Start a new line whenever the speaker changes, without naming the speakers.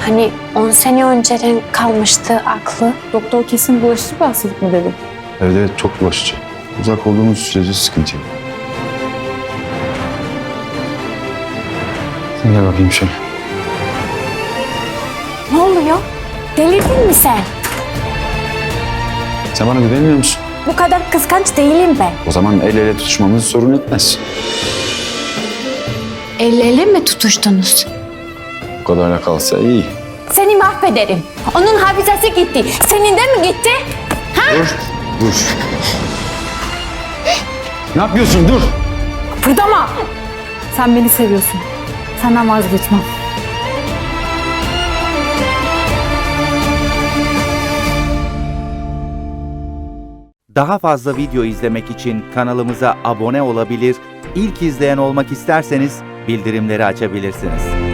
Hani 10 sene önceden kalmıştı aklı.
Doktor kesin bulaşıcı bir hastalık mı dedi?
Evet evet, çok bulaşıcı. Uzak olduğumuz sürece sıkıntı yok. Sen gel bakayım şöyle.
Ne oluyor? Delirdin mi sen?
Sen bana güvenmiyor musun?
Bu kadar kıskanç değilim ben.
O zaman el ele tutuşmamız sorun etmez.
El ele mi tutuştunuz?
Bu kadarla kalsa iyi.
Seni mahvederim. Onun hafızası gitti. Senin de mi gitti?
Dur, dur. Ne yapıyorsun? Dur.
Kıpırdama! Sen beni seviyorsun. Senden vazgeçmem.
Daha fazla video izlemek için kanalımıza abone olabilir, ilk izleyen olmak isterseniz bildirimleri açabilirsiniz.